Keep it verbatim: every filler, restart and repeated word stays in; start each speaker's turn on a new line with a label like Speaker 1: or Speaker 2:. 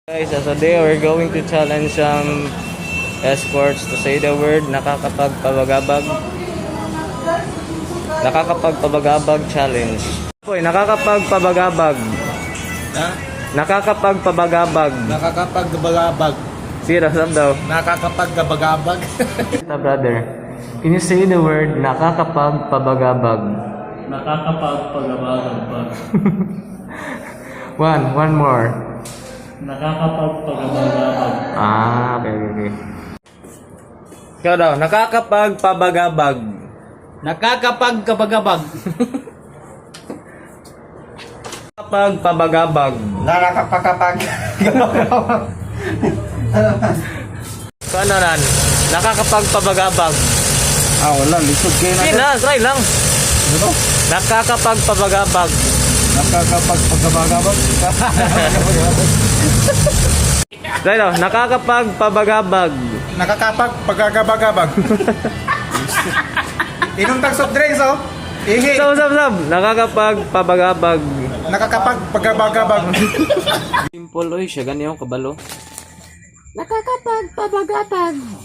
Speaker 1: Guys, so today we're going to challenge some escorts to say the word nakakapagpabagabag. Nakakapagpabagabag challenge. Hoy, nakakapagpabagabag.
Speaker 2: Ha?
Speaker 1: Nakakapagpabagabag.
Speaker 2: Nakakapagbalabag.
Speaker 1: Sira sab daw.
Speaker 2: Nakakapagkabagabag.
Speaker 1: Ta brother. Can you say the word nakakapagpabagabag?
Speaker 3: Nakakapagpagabagabag.
Speaker 1: One, one more.
Speaker 3: Nakakapagpagabagabag.
Speaker 1: Ah, okay, okay, okay. Ikaw daw, nakakapagpabagabag.
Speaker 2: Nakakapagkabagabag.
Speaker 1: Nakakapagpabagabag.
Speaker 2: Nakakapagkapag.
Speaker 1: So ano nan? Nakakapagpabagabag.
Speaker 2: Ah, wala. Lisod kayo
Speaker 1: Sige na, try lang.
Speaker 2: Ano?
Speaker 1: Nakakapagpabagabag.
Speaker 2: Nakakapagpagabagabag.
Speaker 1: Try daw, nakakapagpabagabag.
Speaker 2: Nakakapagpagabagabag. Inom tag soft drinks, oh. Ihi.
Speaker 1: Sab, sab, sab. Nakakapagpabagabag.
Speaker 2: Nakakapagpagabagabag.
Speaker 1: Simple, oy. Siya ganyan yung kabalo.
Speaker 4: Nakakapagpabagabag.